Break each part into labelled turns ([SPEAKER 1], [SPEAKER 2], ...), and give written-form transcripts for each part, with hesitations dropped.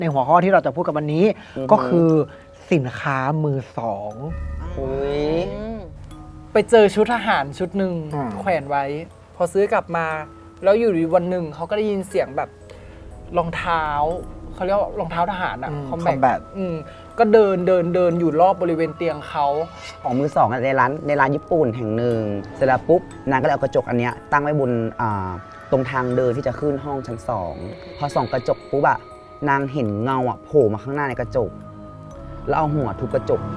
[SPEAKER 1] ในหัวข้อที่เราจะพูดกันวันนี้ก็คือสินค้ามือสอง
[SPEAKER 2] ไปเจอชุดทหารชุดหนึ่งแขวนไว้ พอซื้อกลับมา แล้วอยู่ดีวันหนึ่งเขาก็ได้ยินเสียงแบบรองเท้าเขาเรียกว่ารองเท้าทหารอะคอมแบทก็เดินอยู่รอบบริเวณเตียงเขา
[SPEAKER 3] ของมือสองในร้านญี่ปุ่นแห่งหนึ่งเสร็จแล้วปุ๊บนางก็เลยเอากระจกอันเนี้ยตั้งไว้บนตรงทางเดินที่จะขึ้นห้องชั้น2พอส่องกระจกปุ๊บอะนางเห็นเงาอะโผล่มาข้างหน้าในกระจกแล้วเอาหัวทุบกระจก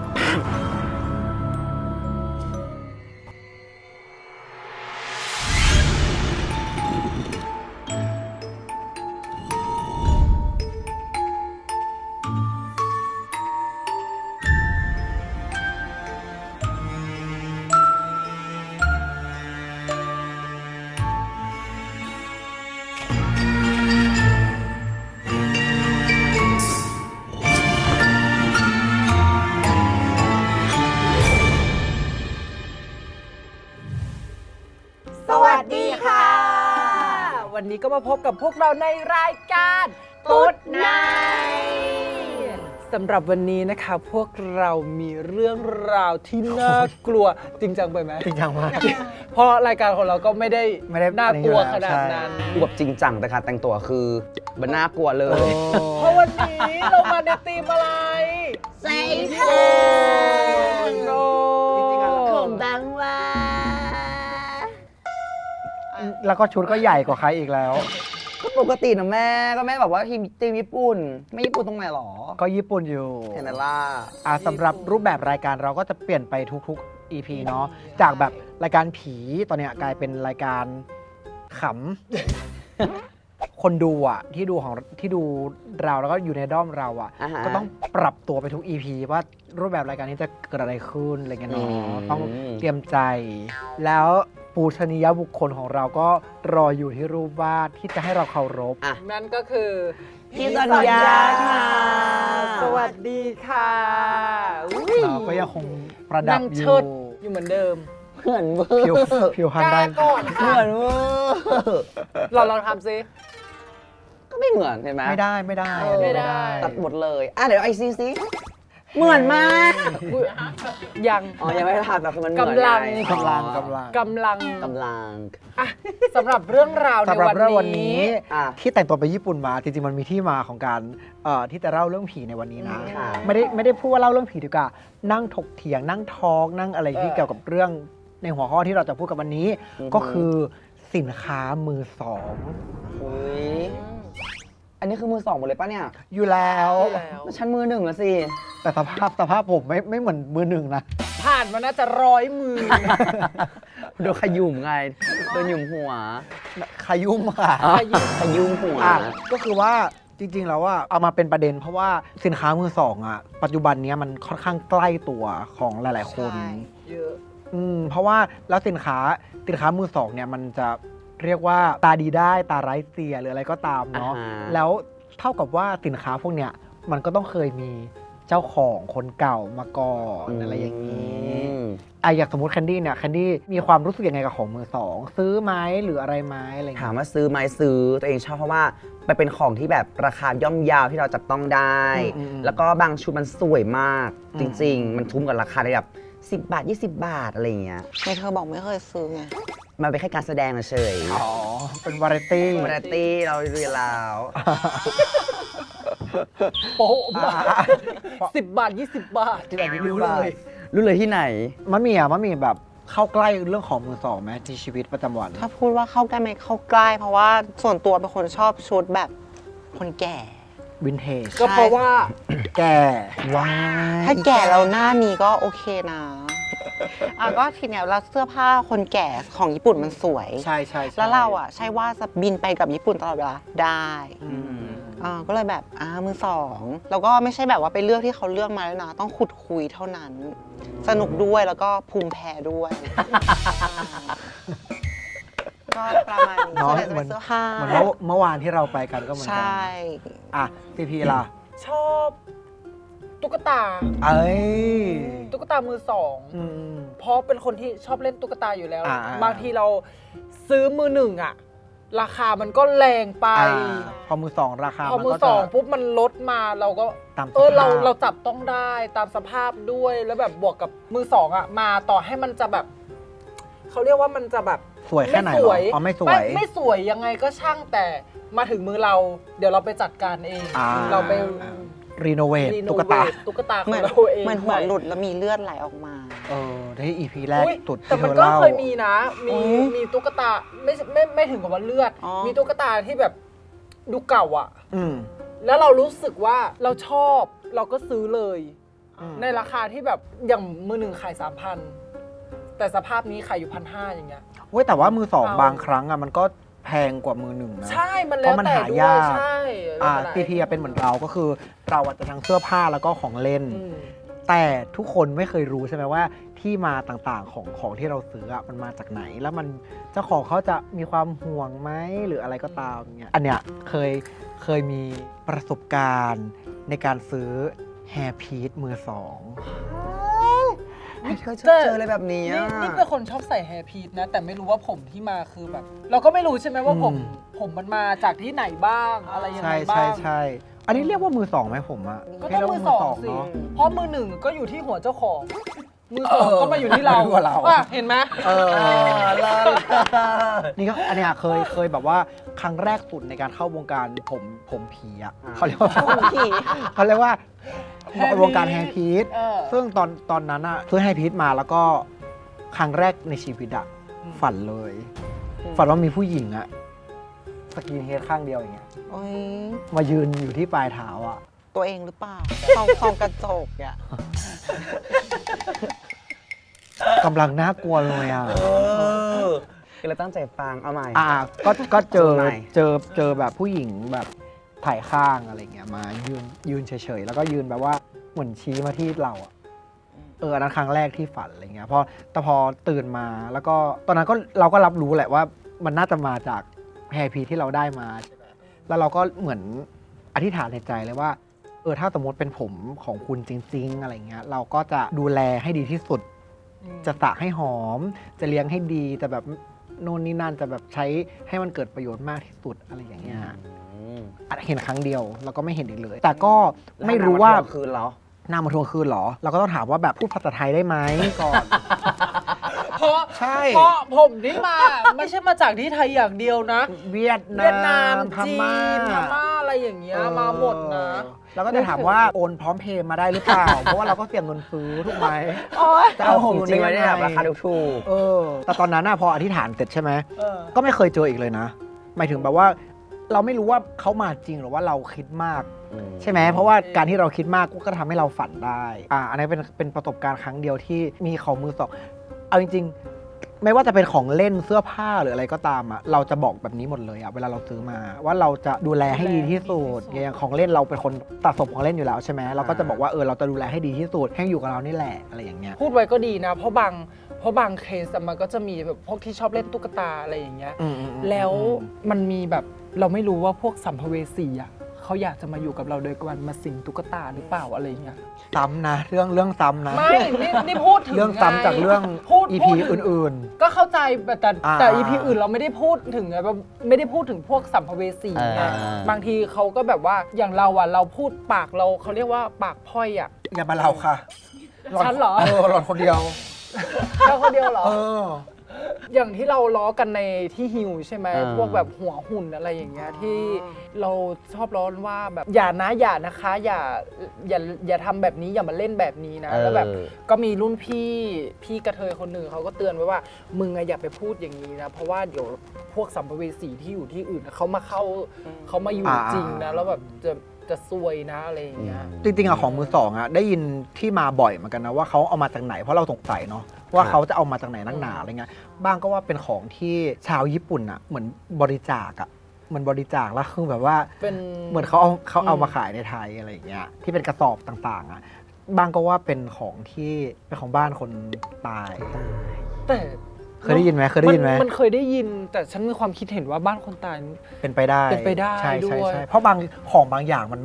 [SPEAKER 2] สวัสดีค่ะ วันนี้ก็มาพบกับพวกเราในรายการตุ๊ดไนสำหรับวันนี้นะคะพวกเรามีเรื่องราวที่น่ากลัวจริงจังไปไหม
[SPEAKER 1] จริงจังมาก
[SPEAKER 2] เพราะรายการของเราก็ไม่ได้น่ากลัวขนาดนั้น
[SPEAKER 3] ดูแบบจริงจังแต่การแต่งตัวคือมันน่ากลัวเลย
[SPEAKER 2] เพราะวันนี้เรามาในธีมอะไร
[SPEAKER 4] ใส่เพ
[SPEAKER 2] โน
[SPEAKER 4] ของบางว่า
[SPEAKER 1] แล้วก็ชุดก็ใหญ่กว่าใครอีกแล้ว
[SPEAKER 3] ก็ปกตินะแม่ก็แม่แบบว่าทีมญี่ปุ่นไม่ญี่ปุ่นตรงไหนหรอ
[SPEAKER 1] ก็ญี่ปุ่นอยู่
[SPEAKER 3] เห็นไหมล่ะ
[SPEAKER 1] สำหรับรูปแบบรายการเราก็จะเปลี่ยนไปทุกๆ EP เนาะจากแบบรายการผีตอนเนี้ยกลายเป็นรายการขำ คนดูอ่ะที่ดูเราแล้วก็อยู่ในด้อมเราอ่ะ
[SPEAKER 3] อ่าฮะ
[SPEAKER 1] ก็ต้องปรับตัวไปทุก EP ว่ารูปแบบรายการนี้จะเกิดอะไรขึ้นอะไรเงี้ยเนาะต้องเตรียมใจ แล้วปูชนียบุคคลของเราก็รออยู่ที่รูปวาดที่จะให้เราเคารพ
[SPEAKER 3] อ่ะ
[SPEAKER 2] นั่นก็คือ
[SPEAKER 3] พี่สัญญาค่ะ
[SPEAKER 2] สวัสดีค่ะอุ๊ย
[SPEAKER 1] เราก็ยังคงประดับ
[SPEAKER 2] นั่ง
[SPEAKER 1] อ
[SPEAKER 2] เชิ
[SPEAKER 1] ยู่
[SPEAKER 2] ดอยู่เหมือนเดิม
[SPEAKER 3] เหมือนเวอ
[SPEAKER 1] ผิว
[SPEAKER 3] ร์
[SPEAKER 1] ผิวพันธุ์ได้
[SPEAKER 2] ก่อน
[SPEAKER 3] เหมือนเวอร์
[SPEAKER 2] เราลองทำซิ
[SPEAKER 3] ก็ไม่เหมือนเห็นไหม
[SPEAKER 1] ไม่ได้ไม่ได้
[SPEAKER 2] ไม่ได้
[SPEAKER 3] ตัดหมดเลยเดี๋ยวไอซีซิเหมือนมาก
[SPEAKER 2] อุ๊ยยัง
[SPEAKER 3] อ๋อยังไม่ได้ตัดแต่คือมันเหมือน
[SPEAKER 2] กำลัง
[SPEAKER 3] ไ
[SPEAKER 1] กำลัง
[SPEAKER 3] อ๋อก
[SPEAKER 2] ำลัง
[SPEAKER 3] กำลัง
[SPEAKER 2] อ่ะสำหรับเรื่องราวใน
[SPEAKER 1] สำหรับเรื่อง
[SPEAKER 2] วั
[SPEAKER 1] วัน น
[SPEAKER 2] นี้
[SPEAKER 1] นี้
[SPEAKER 3] อ่ะ
[SPEAKER 1] ที่แต่งตัวไปญี่ปุ่นมาจริงๆมันมีที่มาของการที่จะเล่าเรื่องผีในวันนี้นะ
[SPEAKER 3] ค่ะ
[SPEAKER 1] ไม่ได้พูดว่าเล่าเรื่องผีดีกว่านั่งถกเถียงนั่งทอล์กนั่งอะไรที่เกี่ยวกับเรื่องในหัวข้อที่เราจะพูดกันวันนี้ ก็คือสินค้ามือสอง
[SPEAKER 3] อุ๊ยอันนี้คือมือสองหมดเลยปะเนี่ย
[SPEAKER 1] อยู่แล้ว
[SPEAKER 2] แล้ว
[SPEAKER 3] ฉันมือหนึ่งแล้วสิ
[SPEAKER 1] แต่สภาพผมไม่เหมือนมือหนึ่งนะ
[SPEAKER 2] ผ่านมาน่าจะ100 มือ
[SPEAKER 3] โดนขยุ่มไงโดนหยุ่มหัว
[SPEAKER 1] ขยุ่มค่ะ
[SPEAKER 3] ขยุ่มหัว
[SPEAKER 1] ก็คือว่าจริงๆแล้วว่าเอามาเป็นประเด็นเพราะว่าสินค้ามือสองอ่ะปัจจุบันเนี้ยมันค่อนข้างใกล้ตัวของหลายๆคน
[SPEAKER 2] ใช่ เยอะ
[SPEAKER 1] เพราะว่าแล้วสินค้ามือสองเนี่ยมันจะเรียกว่าตาดีได้ตาไร้เสียหรืออะไรก็ตามเนาะ
[SPEAKER 3] อ่าฮะ
[SPEAKER 1] แล้วเท่ากับว่าสินค้าพวกเนี้ยมันก็ต้องเคยมีเจ้าของคนเก่ามาก่อนอะไรอย่างนี้อย่างสมมติแคนดี้เนี่ยแคนดี้มีความรู้สึกยังไงกับของมือสองซื้อไหมหรืออะไรไหมอะไรอย่าง
[SPEAKER 3] ถาม
[SPEAKER 1] เงี้ย
[SPEAKER 3] ว่าซื้อไหมซื้อตัวเองชอบเพราะว่ามันเป็นของที่แบบราคาย่อมเยาวที่เราจับต้องได้ แล้วก็บางชุดมันสวยมาก จริง ๆ มันทุ่มกับราคาได้แบบ10 บาท 20 บาทอะไรอย่างเงี้ย
[SPEAKER 4] ไม่เธอบอกไม่เคยซื้อไง
[SPEAKER 3] มันเป็นแค่การแสดงเฉย
[SPEAKER 1] อ๋อเป็นวาไรตี้
[SPEAKER 3] วาไรตี้เราเรียนแล้ว
[SPEAKER 2] โป๊ะมาก10 บาท 20 บาท
[SPEAKER 1] ที่แบบนี้
[SPEAKER 2] รู้
[SPEAKER 1] รู้
[SPEAKER 2] เล
[SPEAKER 1] เลย ย
[SPEAKER 3] รู้เลยที่ไหน
[SPEAKER 1] มันมีแบบเข้าใกล้เรื่องของมือสองไหมในชีวิตประจำวัน
[SPEAKER 4] ถ้าพูดว่าเข้าใกล้ไหมเข้าใกล้ เพราะว่าส่วนตัวเป็นคนชอบชุดแบบคนแก่
[SPEAKER 1] วินเทจ
[SPEAKER 2] ก็เพราะว่า
[SPEAKER 1] แก่
[SPEAKER 3] ว้า
[SPEAKER 4] ถ้าแก่เราหน้านี้ก็โอเคนะก็ทีเนี้ยเราเสื้อผ้าคนแก่ของญี่ปุ่นมันสวย
[SPEAKER 1] ใช่ใช่
[SPEAKER 4] แล้วเราอ่ะใช่ว่าจะบินไปกับญี่ปุ่นตลอดเวลาได้ ก็เลยแบบมือสองแล้วก็ไม่ใช่แบบว่าไปเลือกที่เขาเลือกมาแล้วนะ ต้องขุดคุยเท่านั้น สนุกด้วยแล้วก็ภูมิแพ้ด้วย ก็ประมาณนี้ส่วนใหญ่จะเป็นเสื้อผ้า
[SPEAKER 1] เหมือนเมื่อวานที่เราไปกันก็เหมือน
[SPEAKER 4] ใช
[SPEAKER 1] กั่ นพีพีล่ะ
[SPEAKER 2] ชอบตุ๊กตา
[SPEAKER 1] เอ้ย
[SPEAKER 2] ตุ๊กตามือสอง
[SPEAKER 1] อืม
[SPEAKER 2] เพราะเป็นคนที่ชอบเล่นตุ๊กตาอยู่แล้ว
[SPEAKER 1] อ่า
[SPEAKER 2] บางทีเราซื้อมือหนึ่งอะราคามันก็แรงไป
[SPEAKER 1] พอมือสองราคา
[SPEAKER 2] พอ
[SPEAKER 1] มัน
[SPEAKER 2] มือ
[SPEAKER 1] ก็
[SPEAKER 2] ส
[SPEAKER 1] จะ
[SPEAKER 2] องปุ๊บมันลดมาเราก็
[SPEAKER 1] ตามสภาพ
[SPEAKER 2] เราจับต้องได้ตามสภาพด้วยแล้วแบบบวกกับมือสองอ่ะมาต่อให้มันจะแบบเขาเรียกว่ามันจะแบบ
[SPEAKER 1] สวยแค่ไหนหรออ๋อไม่สวย
[SPEAKER 2] ไม่สวยยังไงก็ช่างแต่มาถึงมือเรา เดี๋ยวเราไปจัดการเอง เราไป
[SPEAKER 1] รีโนเวท
[SPEAKER 2] รีโน
[SPEAKER 1] ตุ๊ก
[SPEAKER 2] เว
[SPEAKER 1] ตา
[SPEAKER 2] ทตุ๊กตาข
[SPEAKER 4] เห
[SPEAKER 2] อ
[SPEAKER 4] มื
[SPEAKER 2] ง
[SPEAKER 4] อน
[SPEAKER 2] เราเอง
[SPEAKER 4] เหมือนหัวหลุดแล้วมีเลือดไหลออกมา
[SPEAKER 1] ที่ EP แรก
[SPEAKER 2] อุ๊ย
[SPEAKER 1] สุด
[SPEAKER 2] แต่
[SPEAKER 1] ที่
[SPEAKER 2] มัน
[SPEAKER 1] เธอ
[SPEAKER 2] ก็
[SPEAKER 1] เล่า
[SPEAKER 2] เคยมีนะ มีตุ๊กตาไม่ถึงกับว่าเลือด
[SPEAKER 4] อ๋อ
[SPEAKER 2] มีตุ๊กตาที่แบบดูเก่าอ่ะ
[SPEAKER 1] อืม
[SPEAKER 2] แล้วเรารู้สึกว่าเราชอบเราก็ซื้อเลย
[SPEAKER 1] อืม
[SPEAKER 2] ในราคาที่แบบอย่างมือหนึ่งขาย 3,000 แต่สภาพนี้ขายอยู่1,500อย่างเงี้ย
[SPEAKER 1] เว้ยแต่ว่ามือสอง
[SPEAKER 2] เอา
[SPEAKER 1] บางครั้งมันก็แพงกว่ามือหนึ่งนะ
[SPEAKER 2] ใช่มัน
[SPEAKER 1] เพ
[SPEAKER 2] แล้ว
[SPEAKER 1] ราะมัน
[SPEAKER 2] แต่
[SPEAKER 1] หา
[SPEAKER 2] ด้วย
[SPEAKER 1] ยาก
[SPEAKER 2] ใช่แล้วแต่
[SPEAKER 1] PP เป็นเหมือนเราก็คือเราอาจจะทั้งเสื้อผ้าแล้วก็ของเล่น
[SPEAKER 2] อืม
[SPEAKER 1] แต่ทุกคนไม่เคยรู้ใช่ไหมว่าที่มาต่างๆของที่เราซื้ออะมันมาจากไหน แล้วมันเจ้าของเขาจะมีความห่วงไหมหรืออะไรก็ตามเงี้ยอันเนี้ยเคยมีประสบการณ์ในการซื้อแฮร์พีซมือสอง
[SPEAKER 3] ไม่เคยเจอเลยแบบนี้
[SPEAKER 2] นี่เป็นคนชอบใส่แฮร์พีทนะ แต่ไม่รู้ว่าผมที่มาคือแบบ เราก็ไม่รู้ใช่ไหมว่าผมมันมาจากที่ไหนบ้างอะไรยัง
[SPEAKER 1] ใช่
[SPEAKER 2] ไงบ้า
[SPEAKER 1] ใช่
[SPEAKER 2] ง
[SPEAKER 1] ใช่อันนี้เรียกว่ามือสองไหมผมอะ
[SPEAKER 2] ก็
[SPEAKER 1] เรีย
[SPEAKER 2] ต้อง
[SPEAKER 1] ก
[SPEAKER 2] มื
[SPEAKER 1] ว่า
[SPEAKER 2] อสองสิ
[SPEAKER 1] เนาะ
[SPEAKER 2] เพราะมือหนึ่งก็อยู่ที่หัวเจ้าของ มือสองก็มาอยู่ที่เรา
[SPEAKER 1] อยู่กับเรา
[SPEAKER 2] ว่ะเห็นไหม
[SPEAKER 1] นี่ก็อันเนี้ยเคยแบบว่าครั้งแรกสุดในการเข้าวงการผมผีอ่ะเขาเรียกว่า
[SPEAKER 4] ผมผี
[SPEAKER 1] เขาเรียกว่า
[SPEAKER 2] แฮร์พีซ
[SPEAKER 1] วงการแฮร์พีซ
[SPEAKER 2] เออ
[SPEAKER 1] ซึ่งตอนนั้นอะซื้อแฮร์พีซมาแล้วก็ครั้งแรกในชีวิตอะฝันเลย ฝันว่ามีผู้หญิงอะสกินเฮดข้างเดียวอย่างเงี้ย
[SPEAKER 4] โอ้ย
[SPEAKER 1] มายืนอยู่ที่ปลายเท้าอะ
[SPEAKER 4] ตัวเองหรือเปล่าส่องกระจกอ่ะ
[SPEAKER 1] กำลังน่ากลัวเลยอะ
[SPEAKER 3] คือเราตั้งใจฟังเอาใหม่
[SPEAKER 1] ก็เจอ
[SPEAKER 3] ทำไม
[SPEAKER 1] เจอแบบผู้หญิงแบบถ่ายข้างอะไรเงี้ยมายืนเฉยๆแล้วก็ยืนแบบว่าเหมือนชี้มาที่เราอะอันนั้นครั้งแรกที่ฝันอะไรเงี้ยแต่พอตื่นมาแล้วก็ตอนนั้นก็เราก็รับรู้แหละว่ามันน่าจะมาจากแฮร์พีที่เราได้มาใช่ไหมแล้วเราก็เหมือนอธิษฐานในใจเลยว่าถ้าสมมติเป็นผมของคุณจริง ๆ อะไรเงี้ยเราก็จะดูแลให้ดีที่สุด จะสระให้หอม จะเลี้ยงให้ดีจะแบบโน่นนี่นั่นจะแบบใช้ให้มันเกิดประโยชน์มากที่สุดอะไรอย่างเงี้ยเห็นครั้งเดียวแล้วก็ไม่เห็นอีกเลย แต่ก็ไม่รู้ว่า
[SPEAKER 3] คืนเหรอ
[SPEAKER 1] หน้ามาทวงคืนเหรอ เราก็ต้องถามว่าแบบพูดภาษาไทยได้ไหมก่อน
[SPEAKER 2] เพราะ
[SPEAKER 1] ใช่
[SPEAKER 2] เพราะผมนี่มา ไม่ใช่มาจากที่ไทยอย่างเดียวนะ
[SPEAKER 1] เวียด
[SPEAKER 2] เวียดนาม
[SPEAKER 1] พ
[SPEAKER 2] จี
[SPEAKER 1] ม่าน
[SPEAKER 2] พม่าอะไรอย่างเงี้ยมาหมดนะ
[SPEAKER 1] แล้วก็จะถามว่าโอนพร้อมเพย์มาได้หรือเปล่า เพราะว่าเราก็เสี่ยงเงินซื้อถูกไหม
[SPEAKER 3] จะเอาผมจริงไว้ได้แบบราคาถูก
[SPEAKER 1] แต่ตอนนั้นพออธิษฐานเสร็จใช่ไหม
[SPEAKER 2] เออ
[SPEAKER 1] ก็ไม่เคยเจออีกเลยนะ หมายถึงแบบว่าเราไม่รู้ว่าเขามาจริงหรือว่าเราคิดมาก ใช่ไหมเพราะว่าการที่เราคิดมากก็ทำให้เราฝันได้อันนี้เป็นประสบการณ์ครั้งเดียวที่มีของมือสองเอาจริงๆ ไม่ว่าจะเป็นของเล่นเสื้อผ้าหรืออะไรก็ตามเราจะบอกแบบนี้หมดเลยเวลาเราซื้อมาว่าเราจะดูแลให้ดีที่สุดอย่างของเล่นเราเป็นคนสะสมของเล่นอยู่แล้วใช่ไหมเราก็จะบอกว่าเราจะดูแลให้ดีที่สุดให้อยู่กับเรานี่แหละอะไรอย่างเงี้ย
[SPEAKER 2] พูดไว้ก็ดีนะ เพราะบางเคสมันก็จะมีแบบพวกที่ชอบเล่นตุ๊กตาอะไรอย่างเงี้ย แล้วมันมีแบบเราไม่รู้ว่าพวกสัมภเวสีเขาอยากจะมาอยู่กับเราโดยการมาสิงตุ๊กตาหรือเปล่าอะไรอย่างเงี้ย
[SPEAKER 1] ซ้ำนะเรื่องซ้ำนะ
[SPEAKER 2] ไม่นี่พูดถึง
[SPEAKER 1] เรื่องซ้ำจากเรื่อง
[SPEAKER 2] พูด
[SPEAKER 1] EP อื่น
[SPEAKER 2] ก็เข้าใจแต่
[SPEAKER 1] อ่า
[SPEAKER 2] EP อื่นเราไม่ได้พูดถึงไงแบบไม่ได้พูดถึงพวกสัมภเวสีไงบางทีเขาก็แบบว่าอย่างเราเราพูดปากเราเขาเรียกว่าปากพร่อยอ่ะ
[SPEAKER 1] อย่ามาเราค่ะ
[SPEAKER 2] ฉันเหรอ
[SPEAKER 1] หลอนคนเดียว
[SPEAKER 2] เราคนเดียวเหรอ
[SPEAKER 1] เออ
[SPEAKER 2] อย่างที่เราล้อกันในที่ฮิวใช่ไหม
[SPEAKER 3] อ่า
[SPEAKER 2] พวกแบบหัวหุ่นอะไรอย่างเงี้ยที่เราชอบล้อว่าแบบอย่านะคะอย่าทำแบบนี้อย่ามาเล่นแบบนี้นะแล้วแบบก็มีรุ่นพี่กระเทยคนหนึ่งเขาก็เตือนไว้ว่ามึงอย่าไปพูดอย่างนี้นะเพราะว่าเดี๋ยวพวกสัมภเวสีที่อยู่ที่อื่นเขามาอยู่จริงนะแล้วแบบจะซวยนะอะไรอย่างเงี้ย
[SPEAKER 1] จริงๆของมือสองได้ยินที่มาบ่อยเหมือนกันนะว่าเขาเอามาจากไหนเพราะเราสงสัยเนาะว่าเขาจะเอามาจากไหนนักหนาอะไรเงี้ยบ้างก็ว่าเป็นของที่ชาวญี่ปุ่นเหมือนบริจาคเหมือนบริจาคแล้วคือแบบว่า
[SPEAKER 2] เป็น
[SPEAKER 1] เหมือนเขาเอามาขายในไทยอะไรอย่างเงี้ยที่เป็นกระสอบต่างๆบางก็ว่าเป็นของที่เป็นของบ้านคนตาย
[SPEAKER 2] แต่
[SPEAKER 1] เคยได้ยินไหม
[SPEAKER 2] มันเคยได้ยิน แต่ฉันมีความคิดเห็นว่าบ้านคนตาย
[SPEAKER 1] เป็นไปได้
[SPEAKER 2] เป็นไปได้
[SPEAKER 1] ใช่
[SPEAKER 2] ด้วย
[SPEAKER 1] ใช่เพราะบางอย่างมันไม่ได้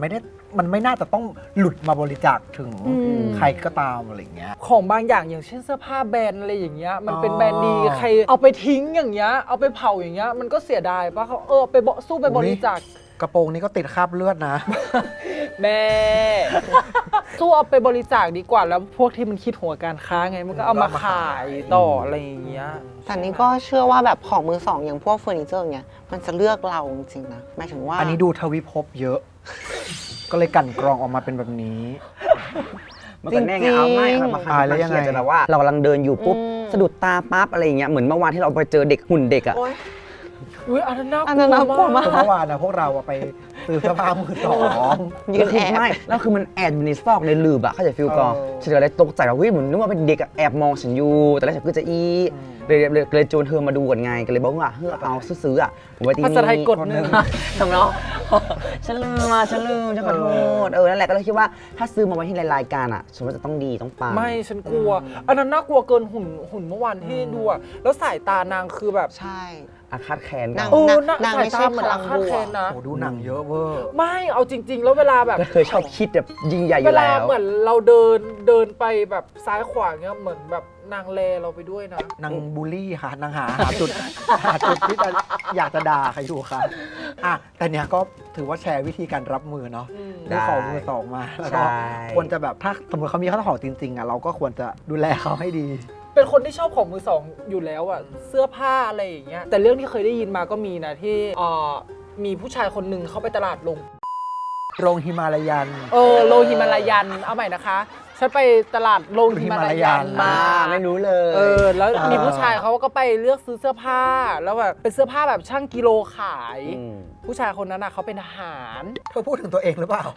[SPEAKER 1] มันไม่น่าจะต้องหลุดมาบริจาคถึง
[SPEAKER 2] อืม
[SPEAKER 1] ใครก็ตามอะไรอย่างเงี้ย
[SPEAKER 2] ของบางอย่างอย่างเช่นเสื้อผ้าแบรนด์อะไรอย่างเงี้ยมันเป็น
[SPEAKER 1] อ๋อ
[SPEAKER 2] แบรนด์ดีใครเอาไปทิ้งอย่างเงี้ยเอาไปเผาอย่างเงี้ยมันก็เสียดายปะเขาไปสู้ไปบริจาค
[SPEAKER 1] กระโปรงนี้ก็ติดคราบเลือดนะ
[SPEAKER 2] แม่ สู้เอาไปบริจาคดีกว่าแล้วพวกที่มันคิดหัวการค้าไงมันก็เอามาขายต่ออะไรอย่างเงี้ย
[SPEAKER 4] แต่นี่ก็เชื่อว่าแบบของมือสองอย่างพวกเฟอร์นิเจอร์เงี้ยมันจะเลือกเราจริงๆนะหมายถึงว่า
[SPEAKER 1] อันนี้ดูทวิภพเยอะ ก็เลยกลั่นกรองออกมาเป็นแบบนี้
[SPEAKER 3] มันก็แน่ไงเอาไม่เอามา
[SPEAKER 1] แล้วยังไง
[SPEAKER 3] เครียดจะแบบว่าเรากำลังเดินอยู่ปุ๊บสะดุดตาปั๊บอะไรอย่างเงี้ยเหมือนเมื่อวานที่เราไปเจอเด็กหุ่นเด็กอะ
[SPEAKER 4] โอ๊ย
[SPEAKER 2] อุ้ยอันนั้นน่าก
[SPEAKER 4] อันนั้นน่ากลั
[SPEAKER 2] ลั
[SPEAKER 4] ว
[SPEAKER 2] ว
[SPEAKER 4] มาม
[SPEAKER 2] าก ก
[SPEAKER 1] เมื่อวานนะพวกเราอะไปซื้อเสื้อผ้ามือสอง
[SPEAKER 4] ยืนแอบ
[SPEAKER 3] ไม่แล้วคือมันแอบอยู่ในซอกในหลืบอะเข้าใจฟิลก่อน
[SPEAKER 1] เออ
[SPEAKER 3] ฉันก็เลยตกใจว่าเฮ้ยเหมือนนึกว่าเป็นเด็กอะแอบมองฉันอยู่แต่แล้วฉันก็จะเลยโจนเธอมาดูก่อนไงก็เลยบอกว่าเฮ้ยเอาซื้อๆอะผมไว้ที่
[SPEAKER 2] ภา
[SPEAKER 3] นี่
[SPEAKER 2] ษาไทยกดหนึ่ง
[SPEAKER 3] ทำเนาะฉันลืมฉันขอโทษนั่นแหละก็เลยคิดว่าถ้าซื้อมาไว้ที่รายการอะฉันว่าจะต้องดีต้องปัง
[SPEAKER 2] ไม่ฉันกลัว อันนั้นน่ากลัวเกินหุ่นเมื่อวานที่ดูอะแล้วสายตานางคือแบบ
[SPEAKER 4] ใช่
[SPEAKER 3] อาฆาตแค้น
[SPEAKER 4] นา
[SPEAKER 3] กั
[SPEAKER 4] ง
[SPEAKER 3] น
[SPEAKER 2] โอ้
[SPEAKER 4] นาง
[SPEAKER 2] สาย
[SPEAKER 4] ไม่ใช่
[SPEAKER 2] ตาเหมือน
[SPEAKER 4] พลั
[SPEAKER 2] อาง ฆาต
[SPEAKER 4] บวก
[SPEAKER 2] แค้นนะ
[SPEAKER 1] โอ้ดูหนังเยอะเวอร์
[SPEAKER 2] ไม่เอาจริง ๆ แล้วเวลาแบบ
[SPEAKER 3] ก็เคยชอบคิดแบบยิ่งใหญ่อ
[SPEAKER 2] เว
[SPEAKER 3] ยู่
[SPEAKER 2] ลา
[SPEAKER 3] แล้ว
[SPEAKER 2] เหมือนเราเดินไปแบบซ้ายขวาเงี้ยเหมือนแบบนางแลเราไปด้วยนะ
[SPEAKER 1] นางบูลลี่ค่ะนางหาจุด หาจุดที่จะอยากจะด่าใครอยู่ค่ะอ่ะแต่เนี้ยก็ถือว่าแชร์วิธีการรับมือเนาะ
[SPEAKER 3] ได้
[SPEAKER 1] ได้ของมือสองมาแล้วก็
[SPEAKER 3] ใช่
[SPEAKER 1] ควรจะแบบถ้าสมมติเขามีข้าวของจริงๆอ่ะเราก็ควรจะดูแลเขาให้ดี
[SPEAKER 2] เป็นคนที่ชอบของมือสองอยู่แล้วอะเสื้อผ้าอะไรอย่างเงี้ยแต่เรื่องที่เคยได้ยินมาก็มีนะที่มีผู้ชายคนหนึ่งเข้าไปตลาดลง
[SPEAKER 1] โรงฮิมาลายัน
[SPEAKER 2] โลหิมาลายันเอาใหม่นะคะฉันไปตลาดโลหิมาลายัน
[SPEAKER 1] มา
[SPEAKER 3] ไม่รู้เลย
[SPEAKER 2] แล้วมีผู้ชายเขาก็ไปเลือกซื้อเสื้อผ้าแล้วแบบเป็นเสื้อผ้าแบบช่างกิโลขาย
[SPEAKER 3] ม
[SPEAKER 2] ผู้ชายคนนั้นน่ะเขาเป็นทหาร
[SPEAKER 1] เธอพูดถึงตัวเองหรือเปล่า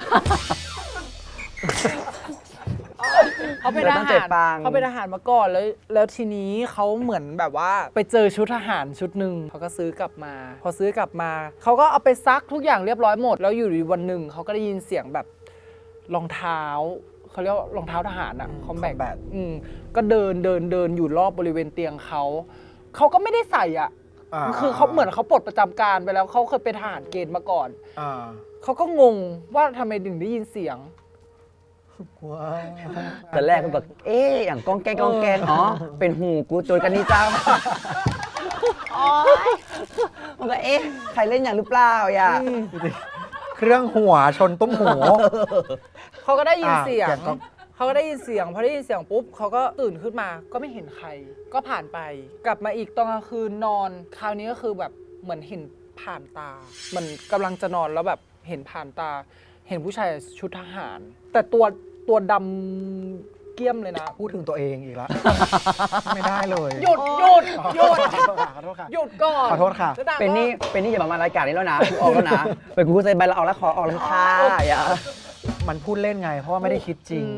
[SPEAKER 2] เขาเป็นท
[SPEAKER 3] เราต้องเจ็
[SPEAKER 2] หา
[SPEAKER 3] บ
[SPEAKER 2] ร
[SPEAKER 3] ปัง
[SPEAKER 2] เขาเป็นทหารมาก่อนแล้วทีนี้เขาเหมือนแบบว่าไปเจอชุดทหารชุดหนึ่งเขาก็ซื้อกลับมา พอซื้อกลับมาเขาก็เอาไปซักทุกอย่างเรียบร้อยหมด แล้วอยู่ดีวันหนึ่งเขาก็ได้ยินเสียงแบบรองเท้าเขาเรียกว่ารองเท้าทหารอะคอมแบ
[SPEAKER 1] combat
[SPEAKER 2] ก็เดินอยู่รอบบริเวณเตียงเขาก็ไม่ได้ใส่อ่ะ คือเขาเหมือนเขาปลดประจำการไปแล้วเขาเคยเป็นทหารเกณฑ์มาก่อน
[SPEAKER 1] อ่า
[SPEAKER 2] เขาก็งงว่าทำไมถึงได้ยินเสียง
[SPEAKER 1] ว้าว
[SPEAKER 3] แต่แรกก็แบบอย่างก้องแกงอ๋อเป็นหูกูโจรกันนี่เจ้ามันก็ใครเล่นอย่างหรือเปล่าอย่า
[SPEAKER 1] เครื่องหัวชนตุ้มหู
[SPEAKER 2] เขาก็ได้ยิน
[SPEAKER 1] อ่ะ
[SPEAKER 2] เสียง
[SPEAKER 1] แกก็
[SPEAKER 2] เขาก็ได้ยินเสียงพอได้ยินเสียงปุ๊บเขาก็ตื่นขึ้นมาก็ไม่เห็นใคร ก็ผ่านไป กลับมาอีกตอนกลางคืนนอน คราวนี้ก็คือแบบเหมือนเห็นผ่านตาเหมือนกำลังจะนอนแล้วแบบเห็นผ่านตา เห็นผู้ชายชุดทหาร แต่ตัวดำเกี้ยมเลยนะ
[SPEAKER 1] พูดถึงตัวเองอีกแล้ว ไม่ได้เลย
[SPEAKER 2] หยุด
[SPEAKER 1] ขอโทษค่ะ
[SPEAKER 2] หยุดก่อน
[SPEAKER 1] ขอโทษค่ะ
[SPEAKER 2] แล้วางก็
[SPEAKER 3] เป็นนี่อย่ามามารายการนี้แล้วนะกูออกแล้วนะเป็นกูใส่ใบละออกแล้วขอออกแล้วค่ะอย่า
[SPEAKER 1] มันพูดเล่นไง เพราะว่าไม่ได้คิดจริง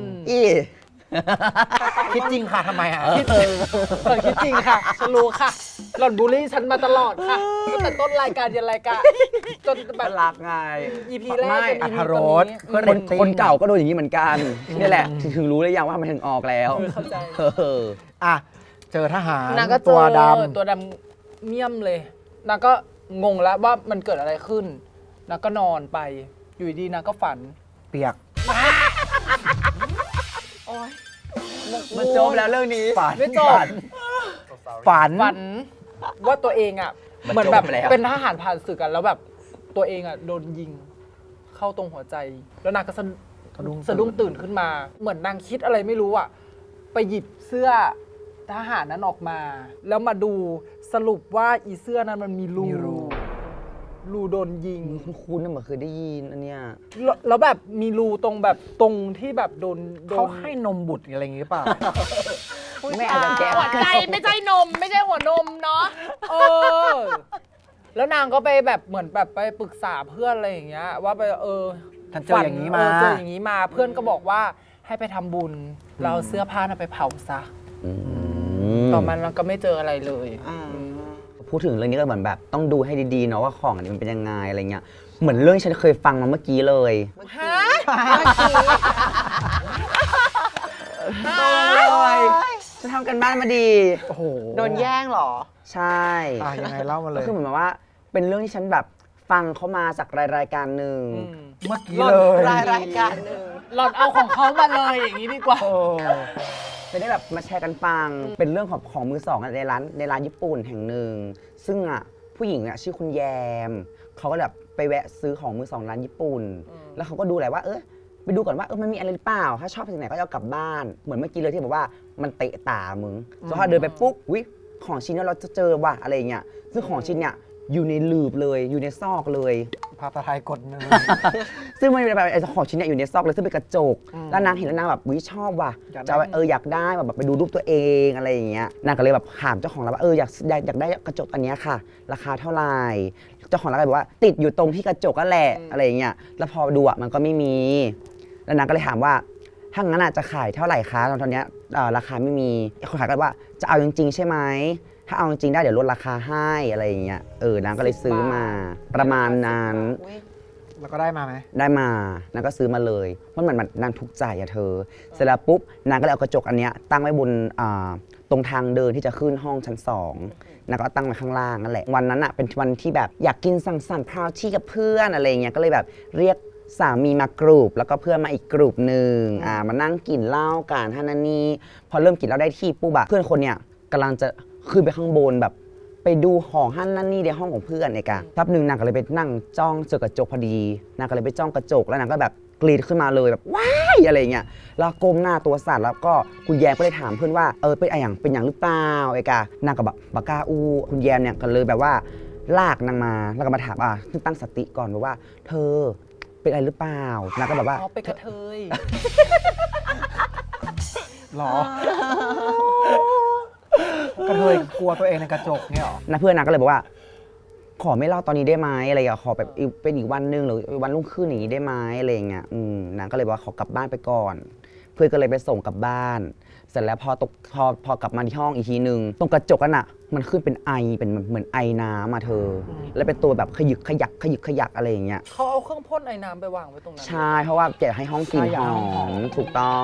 [SPEAKER 1] คิดจริงค่ะทำไมอ่ะ
[SPEAKER 2] คิดจริงค่ะฉันรู้ค่ะ หล่อนบูลลี่ฉันมาตลอดค่ะตั้งแต่ต้นรายการยันรายการจนแบบ
[SPEAKER 3] รักไง
[SPEAKER 2] EP แรก
[SPEAKER 3] ไม่
[SPEAKER 2] จน
[SPEAKER 1] อร
[SPEAKER 2] EP
[SPEAKER 1] รถรส
[SPEAKER 2] ตอนนี้
[SPEAKER 1] เพื่อน
[SPEAKER 3] คนเก่าก็โดนอย่างนี้เหมือนกันนี่แหละถึงรู้เลยยังว่ามันถึงออกแล้ว
[SPEAKER 2] เข้าใจ
[SPEAKER 1] อ่ะ เจอทหาร
[SPEAKER 2] นางก็เจอ
[SPEAKER 1] ตัวด
[SPEAKER 2] ตัวดำเมี่ยมเลยนางก็งงแล้วว่ามันเกิดอะไรขึ้นนางก็นอนไป อยู่ดีนางก็ฝัน
[SPEAKER 1] ำเปียก
[SPEAKER 3] มันจบแล้วเรื่องนี้
[SPEAKER 1] ฝัน
[SPEAKER 2] ไม่จบ
[SPEAKER 1] ฝัน
[SPEAKER 2] ฝันว่าตัวเองอ่ะ
[SPEAKER 3] มัน
[SPEAKER 2] เหมือนแบบ
[SPEAKER 3] จบแล้ว
[SPEAKER 2] เป็นทหารผ่านศึกกันแล้วแบบตัวเองอ่ะโดนยิงเข้าตรงหัวใจ แล้วนางก็สะดุ้งตื่นขึ้นมา เหมือนนางคิดอะไรไม่รู้อ่ะไปหยิบเสื้อทหารนั้นออกมา แล้วมาดูสรุปว่าอีเสื้อนั้นมันมีรู
[SPEAKER 1] มีรู
[SPEAKER 2] รูโดนยิง
[SPEAKER 3] คุณน่ะเหมือนเคยได้ยินอันเนี้ย
[SPEAKER 2] แล้วแบบมีรูตรงแบบตรงที่แบบโดน
[SPEAKER 1] เขาให้นมบุตรอะไรอย่างงี้หรือเปล่า
[SPEAKER 3] ไม่อาจจะแก้
[SPEAKER 2] หัวใจไม่ใช่นม ไม่ใช่หัวนมเนาะแล้วนางก็ไปแบบเหมือนแบบไปปรึกษาเพื่อนอะไรอย่างเงี้ยว่าไป
[SPEAKER 1] ฉันเจออย่างนี้มา
[SPEAKER 2] เจออย่างนี้มาเพื่อนก็บอกว่าให้ไปทำบุญเราเอาเสื้อผ้าน่ะไปเผาซะต่อมาเราก็ไม่เจออะไรเลย
[SPEAKER 3] พูดถึงเรื่องนี้ก็เหมือนแบบต้องดูให้ดีๆเนาะว่าของอันนี้มันเป็นยังไงอะไรเงี้ยเหมือนเรื่องที่ฉันเคยฟังมาเมื่อกี้เลย
[SPEAKER 2] ฮะ
[SPEAKER 3] ฉันทำกันบ้านมาดี
[SPEAKER 1] โอ้โห
[SPEAKER 4] โดนแย่งเหรอ
[SPEAKER 3] ใช่
[SPEAKER 1] ยังไงเล่ามาเล
[SPEAKER 3] ก็
[SPEAKER 1] ย
[SPEAKER 3] คือเหมือนแบบว่าเป็นเรื่องที่ฉันแบบฟังเขามาจากรายการหนึ่ง
[SPEAKER 1] เมื่อกี้
[SPEAKER 2] หล่อน
[SPEAKER 1] เลย
[SPEAKER 4] รายการหนึ่ง
[SPEAKER 2] หล่อนเอาของเขามาเลยอย่างนี้ดีกว่า
[SPEAKER 1] โอ้
[SPEAKER 3] จะได้แบบมาแชร์กันฟัง เป็นเรื่องของมือสองในร้านญี่ปุ่นแห่งหนึ่ง ซึ่งผู้หญิงชื่อคุณแยม เขาก็แบบไปแวะซื้อของมือสองร้านญี่ปุ่น แล้วเขาก็ดูแหละว่าไปดูก่อนว่ามันมีอะไรหรือเปล่า ถ้าชอบสิ่งไหนก็จะเอากลับบ้าน เหมือนเมื่อกี้เลยที่บอกว่ามันเตะตามึงพอเดินไปปุ๊บวิของชิ้นนี้เราจะเจอว่ะอะไรอย่างเงี้ย ซึ่งของชิ้นเนี่ยอยู่ในหลืบเลยอยู่ในซอกเลย
[SPEAKER 1] ภาษาไทยกดหนึ่ง
[SPEAKER 3] ซึ่งมันเป็นแบบไอ้ของชิ้นเนี่ยอยู่ในซอกเลยซึ่งเป็นกระจก แล้วนางเห็นแล้วนางแบบวิชอบว่ะ
[SPEAKER 1] อยากได้
[SPEAKER 3] จะอยากได้แบบไปดูรูปตัวเองอะไรอย่างเงี้ยนางก็เลยแบบถามเจ้าของร้านว่าอยากได้กระจกอันเนี้ยค่ะ ราคาเท่าไหร่เจ้าของร้านก็บอกว่าติดอยู่ตรงที่กระจกก็แหละอะไรอย่างเงี้ยแล้วพอดูมันก็ไม่มีแล้วนางก็เลยถามว่าถ้างั้นจะขายเท่าไหร่คะตอนเนี้ยราคาไม่มีคนขายก็ว่าจะเอาจริงๆใช่ไหมถ้าเอาจริงๆได้เดี๋ยวลดราคาให้อะไรอย่างเงี้ยนางก็เลยซื้อมาประมาณนั้น
[SPEAKER 1] แล้วก็ได้มาไหม
[SPEAKER 3] ได้มานางก็ซื้อมาเลยเพราะมันนางทุกข์ใจเธอ เสร็จแล้วปุ๊บนางก็เลยเอากระจกอันเนี้ยตั้งไว้บนตรงทางเดินที่จะขึ้นห้องชั้น2นางก็ตั้งไว้ข้างล่างนั่นแหละวันนั้นเป็นวันที่แบบอยากกินสังสรรค์พาวที่กับเพื่อนอะไรเงี้ยก็เลยแบบเรียกสามีมากรูปแล้วก็เพื่อนมาอีกกลุ่มหนึ่งมานั่งกินเหล้ากันท่านันนี่พอเริ่มกินเหล้าได้ที่ปุ๊บเพื่อนคนเนี้ยกำลังจะขึ้นไปข้างบนแบบไปดูของหั่นนั่นนี่ในห้องของเพื่อนเอกะแป๊บหนึ่งนางก็เลยไปนั่งจ้องเจอกระจกพอดีนางก็เลยไปจ้องกระจกแล้วนางก็แบบกรีดขึ้นมาเลยแบบว้ายอะไรเงี้ยแล้วก้มหน้าตัวสั่นแล้วก็คุณแยมก็เลยถามเพื่อนว่าเป็นอย่างหรือเปล่าเอกะนางก็แบบบากาอูคุณแยมเนี่ยก็เลยแบบว่าลากนางมาแล้วก็มาถามตั้งสติก่อนว่าเธอเป็นอะไรหรือเปล่านางก็แบบว่า
[SPEAKER 2] อ๋อเป็นกระเทย
[SPEAKER 1] หรอ กระเทยกลัวตัวเองในกระจกเนี่ยหรอ
[SPEAKER 3] นะเพื่อนนางก็เลยบอกว่าขอไม่เล่าตอนนี้ได้ไหมอะไรอย่างขอแบบเป็นอีกวันนึงหรือวันรุ่งขึ้นอย่างนี้ได้ไหมอะไรอย่างเงี้ยนางก็เลยบอกว่าขอกลับบ้านไปก่อน เพื่อนก็เลยไปส่งกลับบ้าน เสร็จแล้วพอกลับมาที่ห้องอีกทีนึงตรงกระจกมันมันขึ้นเป็นไอเป็นเหมือนไอน้ำเธอ แล้วเป็นตัวแบบขยึกขยักอะไรอย่างเงี้ย
[SPEAKER 2] เขาเอาเครื่องพ่นไอ้น้ำไปวางไว้ตรงนั้น
[SPEAKER 3] ใช่เพราะว่าอยากให้ห้องกลิ่นหอมถูกต้อง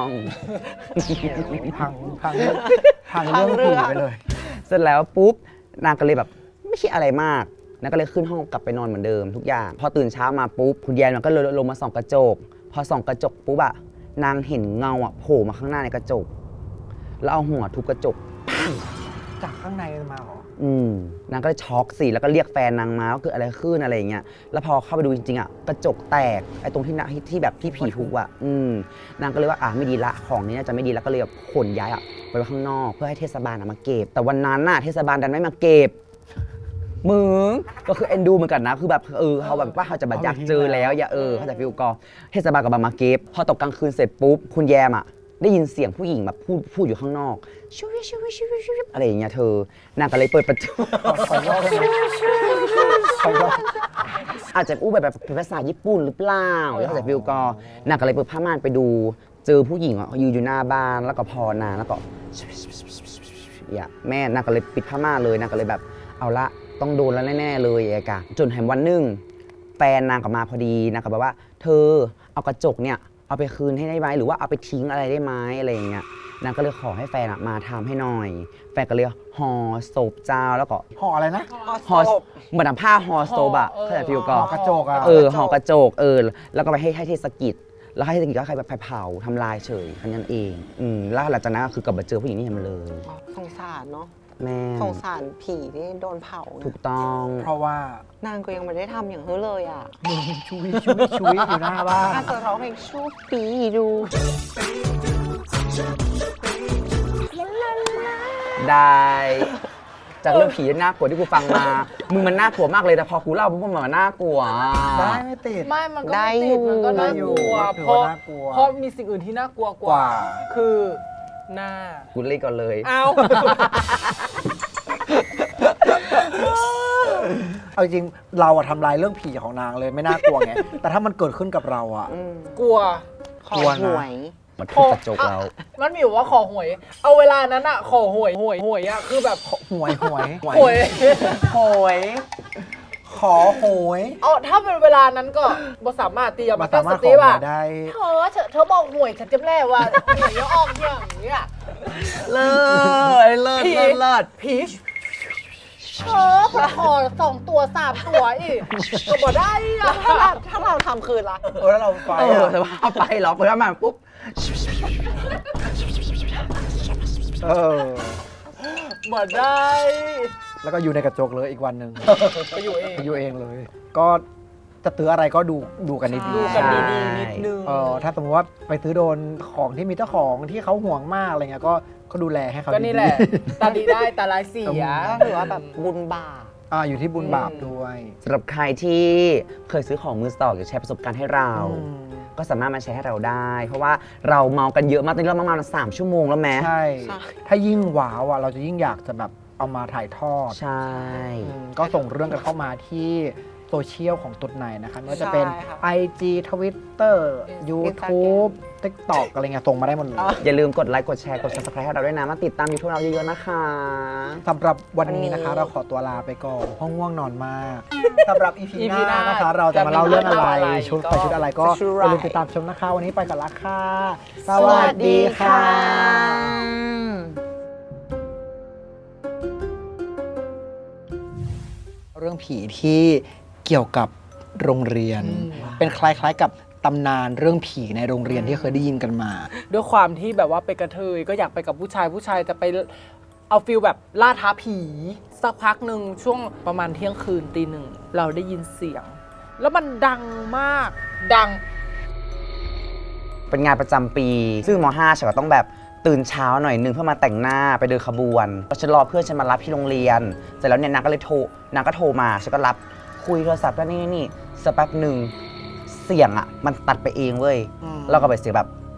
[SPEAKER 1] พังเรื่องผีไปเลย
[SPEAKER 3] เสร็จแล้วปุ๊บนางก็เลยแบบไม่คิดอะไรมากนางก็เลยขึ้นห้องกลับไปนอนเหมือนเดิมทุกอย่างพอตื่นเช้ามาปุ๊บคุณแยมมันก็เลยลงมาส่องกระจกพอส่องกระจกปุ๊บนางเห็นเงาโผล่มาข้างหน้าในกระจกแล้วเอาหัวทุบกระจก
[SPEAKER 1] จากข้างในมาหรอ
[SPEAKER 3] นางก็เลยช็อกสิแล้วก็เรียกแฟนนางมาว่าเกิดอะไรขึ้นอะไรอย่างเงี้ยแล้วพอเข้าไปดูจริงๆกระจกแตกไอ้ตรงที่แบบที่ผีทุบนางก็เลยว่าไม่ดีละของนี้น่าจะไม่ดีแล้วก็เลยแบบขนย้ายไปไว้ข้างนอกเพื่อให้เทศบาลมาเก็บแต่วันนั้นเทศบาลดันไม่มาเก็บมึงก็คือเอ็นดูเหมือนกันนะคือแบบเขาแบบว่าเขาจะแบบอยากเจอแล้วอย่าเขาจะฟิลกอเทศบาลกับมาเก็บพอตกกลางคืนเสร็จปุ๊บคุณแยมได้ยินเสียงผู้หญิงแบบพูดอยู่ข้างนอกชูวิชูวิชูวิชูวิอะไรอย่างเงี้ยเธอนางก็เลยเปิดประตู อาจจะอู้แบบเป็นภาษาญี่ปุ่นหรือเปล่าแล้วเขาจะฟิลกอนางก็เลยเปิดผ้าม่านไปดูเจอผู้หญิงยืนอยู่หน้าบ้านแล้วก็พอนางแล้วก็แม่นางก็เลยปิดผ้าม่านเลยนางก็เลยแบบเอาละต้องโดนแล้วแน่ๆเลยกะจนแถมวันหนึ่งแฟนนางกลับมาพอดีนางก็แบบว่าเธอเอากระจกเนี่ยเอาไปคืนให้ได้ไหมหรือว่าเอาไปทิ้งอะไรได้ไหมอะไรอย่างเงี้ยนางก็เลยขอให้แฟนมาทำให้หน่อยแฟนก็เลยห่อศพเจ้าแล้วก็
[SPEAKER 1] ห่ออะไรนะ
[SPEAKER 3] ห่อเหมือนผ้าห่อศพเขาจะฟิลกอ
[SPEAKER 1] ห่อกระจก
[SPEAKER 3] ห่อกระจกแล้วก็ไปให้เทศกิจแล้วให้เทศกิจก็ใครแบบเผาทำลายเฉยแค่นั้นเองแล้วหลังจากนั้นก็คือกลับมาเจอผู้หญิงนี่มันเลย
[SPEAKER 4] สงสารเนาะ
[SPEAKER 3] แม่
[SPEAKER 4] สงสารผีที่โดนเผา
[SPEAKER 3] ถูกต้อง
[SPEAKER 1] เพราะว่าน
[SPEAKER 4] างก็ยังไม่ได้ทำอย่างเขาเลยอ่ะ
[SPEAKER 1] มึงชุยอยู่หน้าบ้าน
[SPEAKER 4] อาจจะร้องเพลงชูปีดู
[SPEAKER 3] ได้จากเรื่องผีน่ากลัวที่กูฟังมามึงมันน่ากลัวมากเลยแต่พอกูเล่าปุ๊บมันน่ากลัว
[SPEAKER 1] ได้ไม่ติด
[SPEAKER 2] ไม่มันก็
[SPEAKER 4] ได้
[SPEAKER 2] ไม่
[SPEAKER 4] อยู่
[SPEAKER 2] ติดมันก็น่ากลัว
[SPEAKER 1] ถือ
[SPEAKER 2] เพราะ
[SPEAKER 1] ว่าน่ากลัว
[SPEAKER 2] เพราะมีสิ่งอื่นที่น่ากลัวก
[SPEAKER 1] ก
[SPEAKER 2] ว่า
[SPEAKER 1] ว่า
[SPEAKER 2] คือหน้า
[SPEAKER 3] กูเล่นก่อนเลย
[SPEAKER 2] เอา
[SPEAKER 1] เอาจริงเราทำลายเรื่องผีของนางเลยไม่น่ากลัวไง แต่ถ้ามันเกิดขึ้นกับเรา
[SPEAKER 2] กลัว
[SPEAKER 4] ขอหวย
[SPEAKER 3] มันทุบกระจกเรา
[SPEAKER 2] มันมีอยู่ว่าขอหวย เอาเวลานั้นอะขอหวยคือแบบ
[SPEAKER 1] หวย
[SPEAKER 2] หวย
[SPEAKER 3] โหย
[SPEAKER 1] ขอหวย
[SPEAKER 2] เอาถ้าเป็นเวลานั้นก็บ่สามารถตีมา
[SPEAKER 1] มา
[SPEAKER 2] ตั้
[SPEAKER 1] สาง มาร
[SPEAKER 2] ส
[SPEAKER 1] ถข
[SPEAKER 2] ติ
[SPEAKER 1] อหว
[SPEAKER 2] ว่ะ
[SPEAKER 1] ยได้
[SPEAKER 2] เธอบอกหวยฉันจำแน่ว่าหวยจะออกอย่างเงี้ย
[SPEAKER 3] เลิศ
[SPEAKER 2] ผี
[SPEAKER 3] เลิศ
[SPEAKER 2] ผีขอ2 ตัว 3 ตัวอีกก็บ่ได้อะ
[SPEAKER 4] ถ้าเราทำคืนละ
[SPEAKER 1] ถ้าเราไฟ
[SPEAKER 3] แต่ว่าเอาไปล็อกไปแล้วมาปุ๊บ
[SPEAKER 2] บ่ได้
[SPEAKER 1] แล้วก็อยู่ในกระจกเลยอีกวันหนึ่ง
[SPEAKER 2] ไปอยู่เอง
[SPEAKER 1] อยู่เองเลย ก็จะซื้ออะไรก็ดูกันดี
[SPEAKER 2] ดูกันดีๆนิดนึง
[SPEAKER 1] ถ้าสมมติว่าไปซื้อโดนของที่มีเจ้าของที่เขาห่วงมากอะไรเงี้ยก็ดูแลให้เขา
[SPEAKER 2] ก็นี่แหละ ตาดีได้ตาร้ายเสีย
[SPEAKER 4] ก็ถือว่าแบบบุญบาป
[SPEAKER 1] อยู่ที่บุญบาปด้วย
[SPEAKER 3] สำหรับใครที่เคยซื้อของมือสองอยากแชร์ประสบการณ์ให้เรา ก็สามารถมาแชร์ให้เราได้ เพราะว่าเราเมากันเยอะมากตอนนี้เราเมา3 ชั่วโมงแล้วแม้
[SPEAKER 1] ใช่ ถ้ายิ่งว้าวเราจะยิ่งอยากจะแบบเอามาถ่ายทอด
[SPEAKER 3] ใช่
[SPEAKER 1] ก็ส่งเรื่องกันเข้ามาที่โซเชียลของตุ๊ดในนะคะไม่ว่าจะเป็น
[SPEAKER 4] ใช่ค่ะ
[SPEAKER 1] IG Twitter YouTube TikTok อะไรเงี้ยส่งมาได้หมดเลย
[SPEAKER 3] อย่าลืมกดไลค์กดแชร์กด subscribe ให้เราด้วยนะมาติดตามยูทูบเราเยอะๆนะคะ
[SPEAKER 1] สำหรับวันนี้นะคะ เราขอตัวลาไปก่อนเพราะง่วงนอนมากสำหรับ EP หน้านะคะ เราจะมาเล่าเรื่องอะไรชุดอะไรก็อย่าลืมติดตามชมนะคะ วันนี้ไปกันละค่ะ สวัสดีค่ะ เรื่องผีที่เกี่ยวกับโรงเรียน เป็นคล้ายๆกับตำนานเรื่องผีในโรงเรียนที่เคยได้ยินกันมา
[SPEAKER 2] ด้วยความที่แบบว่าไปกระเทยก็อยากไปกับผู้ชายจะไปเอาฟิลแบบล่าท้าผีสักพักหนึ่งช่วงประมาณเที่ยงคืนตี 1เราได้ยินเสียง แล้วมันดังมากดัง
[SPEAKER 3] เป็นงานประจำปี ซึ่งม.5 ฉันก็ต้องแบบตื่นเช้าหน่อยนึงเพื่อมาแต่งหน้าไปเดินขบวนแล้วฉันรอเพื่อนฉันมารับที่โรงเรียนเสร็จแล้วเนี่ยนางก็โทรมาฉันก็รับคุยโทรศัพท์แล้วนี่สักแป๊บหนึ่งเสียงอ่ะมันตัดไปเองเว้ย
[SPEAKER 1] อืม
[SPEAKER 3] เราก็ไปเสียงแบบ